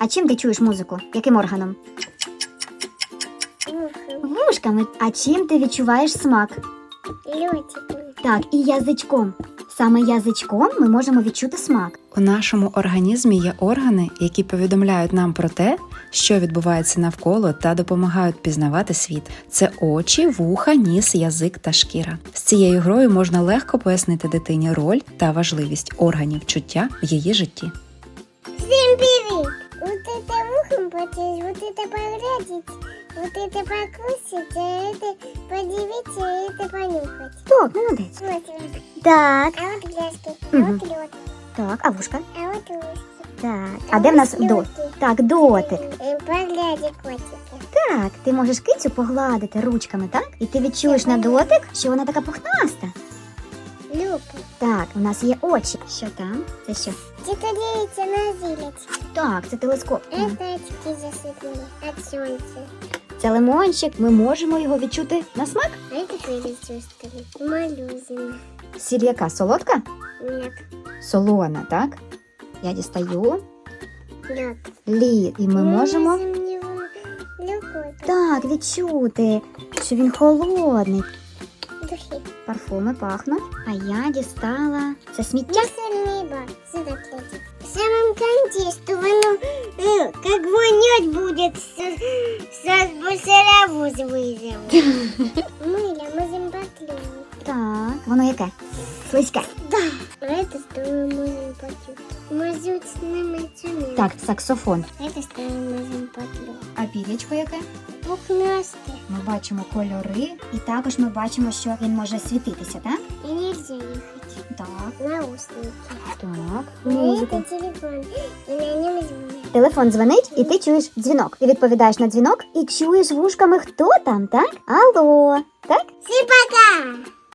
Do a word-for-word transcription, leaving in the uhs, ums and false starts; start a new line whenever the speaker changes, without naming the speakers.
А чим ти чуєш музику? Яким органом? Вушками. А чим ти відчуваєш смак?
Льотиком.
Так, і язичком. Саме язичком ми можемо відчути смак.
У нашому організмі є органи, які повідомляють нам про те, що відбувається навколо та допомагають пізнавати світ. Це очі, вуха, ніс, язик та шкіра. З цією грою можна легко пояснити дитині роль та важливість органів чуття в її житті.
Всем привет! Вот это ухом потянуть, вот это погладить, вот это покусить, а это подивиться, а это понюхать.
Так, молодець.
Смотри.
Так,
А вот гляски, а
Мгм.
вот лед,
так, а вушка?
а вот ушки.
Так. А де в нас
ось
до?
льоти.
Так, дотик.
Э, Поглади котики.
Так, ти можеш кицю погладити ручками, так? І ти відчуєш на дотик, що вона така пухнаста.
Люпы.
Так, у нас є очі. Що там? Це що?
Где-то делится на зелень.
Так, це телескоп. Мгм.
Это очки засыпали от солнца.
Це лимончик. Ми можемо його відчути на смак.
А это перечувствовали. Малюзина.
Сіль яка? Солодка?
Нет.
Солона, так? Я дістаю
Лед.
лід. І ми можемо
Легко.
так відчути, що він холодний.
Духи.
Парфуми пахнуть. А я дістала це сміття.
Мусорный бак. Сюда клади. В самом конце, что оно э, как вонять будет, с, с мусоровоз вызовут. Мыло, можем поклеить.
Так, воно яке? Слизьке.
Да. А это что мы можем поклеить. Мазут с намоченным.
Так, саксофон.
Это что мы можем поклеить.
А пір'ячко яке?
Пухнастый.
Ми бачимо кольори, і також ми бачимо, що він може світитися, так?
И нельзя ехать.
Так,
Наушники.
так.
А
Музику.
это телефон. И на нем звонят.
Телефон дзвонить, і ти чуєш дзвінок. Ти відповідаєш на дзвінок і чуєш вушками, хто там, так? Алло, так?
Всем пока!